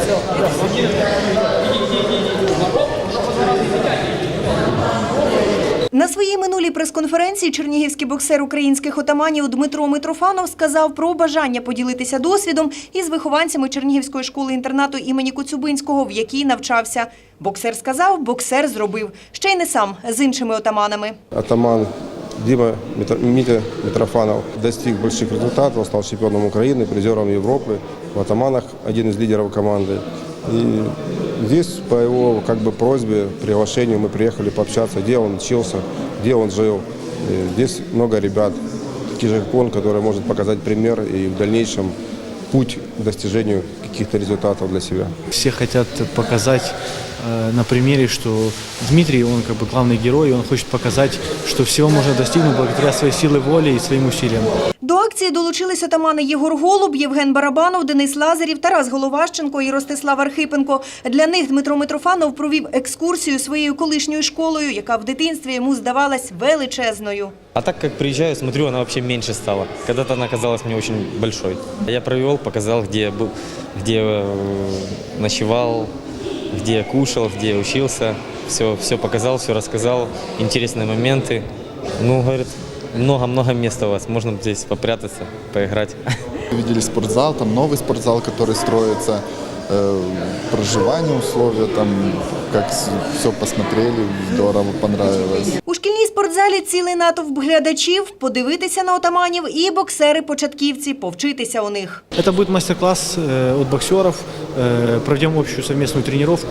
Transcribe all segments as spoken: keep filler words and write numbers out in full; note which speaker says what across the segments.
Speaker 1: На своїй минулій прес-конференції чернігівський боксер українських отаманів Дмитро Митрофанов сказав про бажання поділитися досвідом із вихованцями Чернігівської школи-інтернату імені Коцюбинського, в якій навчався. Боксер сказав, боксер зробив. Ще й не сам, з іншими отаманами.
Speaker 2: Атаман Дима Митя Митрофанов достиг больших результатов, стал чемпионом Украины, призером Европы, в атаманах один из лидеров команды. И здесь по его как бы просьбе, приглашению мы приехали пообщаться, где он учился, где он жил. И здесь много ребят, таких же как он, которые может показать пример и в дальнейшем путь к достижению каких-то результатов для себя.
Speaker 3: Все хотят показать э, на примере, что Дмитрий, он как бы главный герой, и он хочет показать, что всего можно достигнуть благодаря своей силе воли и своим усилиям.
Speaker 1: До акції долучились отамани Єгор Голуб, Євген Барабанов, Денис Лазарів, Тарас Головащенко і Ростислав Архипенко. Для них Дмитро Митрофанов провів екскурсію своєю колишньою школою, яка в дитинстві йому здавалась величезною.
Speaker 4: А так как приезжаю, смотрю, она вообще меньше стала. Когда-то она казалась мне очень большой. Я провел, показал, где я был, где я ночевал, где я кушал, где я учился. Все, все показал, все рассказал, интересные моменты. Ну, говорит, много-много места у вас, можно здесь попрятаться, поиграть.
Speaker 5: Видели спортзал, там новый спортзал, который строится, э, проживание, условия, там, как все посмотрели, здорово, понравилось.
Speaker 1: У шкільній спортзалі цілий натовп глядачів, подивитися на отаманів і боксери-початківці, повчитися у них.
Speaker 3: Это будет мастер-класс э, от боксеров, э, проведем общую совместную тренировку,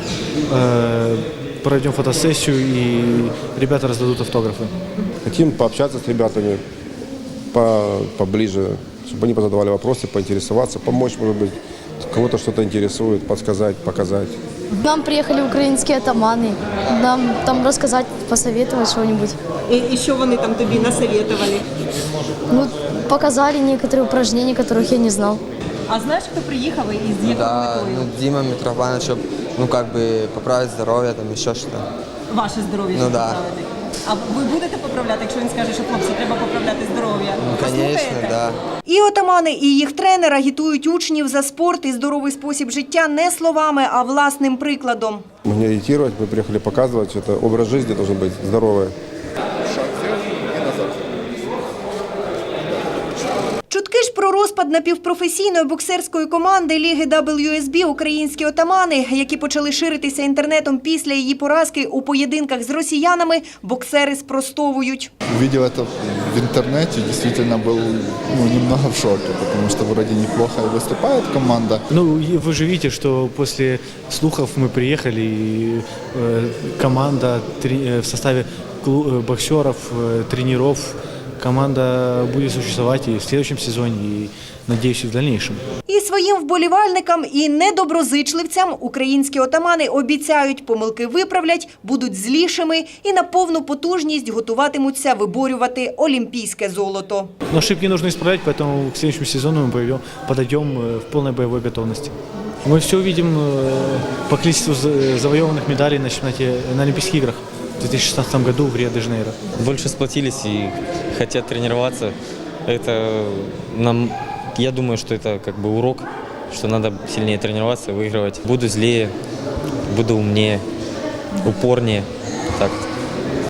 Speaker 3: э, проведем фотосессию и ребята раздадут автографы.
Speaker 2: Хотим пообщаться с ребятами по, поближе, чтобы они позадавали вопросы, поинтересоваться, помочь, может быть, кого-то что-то интересует, подсказать, показать.
Speaker 6: Нам приехали украинские атаманы, нам там рассказать, посоветовать что-нибудь.
Speaker 1: І, і що вони там тобі насоветували?
Speaker 6: Ну, показали некоторые упражнения, которых я не знал.
Speaker 1: А знаєш, хто приїхав і з якою
Speaker 7: Да,
Speaker 1: метою?
Speaker 7: ну, Дима Митрофанов, чтобы, ну, как бы, поправить здоровье, там, еще что-то.
Speaker 1: Ваше здоров'я,
Speaker 7: Ну,
Speaker 1: щоб
Speaker 7: да.
Speaker 1: поправити. А ви будете поправляти, якщо він скаже, що хлопці, треба поправляти здоров'я?
Speaker 7: Ну, конечно,
Speaker 1: Послухаєте?
Speaker 7: да.
Speaker 1: І отамани, і їх тренер агітують учнів за спорт і здоровий спосіб життя не словами, а власним прикладом.
Speaker 2: Мы не агитировать, мы приехали показывать, что это образ жизни должен быть здоровый.
Speaker 1: Чутки ж про розпад напівпрофесійної боксерської команди Ліги дабл ю ес бі «Українські отамани», які почали ширитися інтернетом після її поразки у поєдинках з росіянами, боксери спростовують.
Speaker 5: Увидел это в интернете, действительно был, ну, немного в шоке, потому что вроде неплохо выступает команда.
Speaker 3: Ну, и вы же видите, что после слухов мы приехали, и э, команда три, э, в составе клу, э, боксеров, э, тренеров, команда будет существовать и в следующем сезоне, и, надеюсь, и в дальнейшем.
Speaker 1: І своїм вболівальникам, і недоброзичливцям українські отамани обіцяють, помилки виправлять, будуть злішими і на повну потужність готуватимуться виборювати олімпійське золото.
Speaker 3: Но ошибки нужно исправлять, поэтому к следующему сезону мы пойдем, подойдем э, в полной боевой готовности. Мы все увидим э, по количеству за- завоеванных медалей на чемпионате, на Олимпийских играх в две тысячи шестнадцатом году в Рио-де-Жанейро.
Speaker 4: Больше сплотились и хотят тренироваться. Это нам, я думаю, что это как бы урок, что надо сильнее тренироваться, выигрывать. Буду злее, буду умнее, упорнее. Так.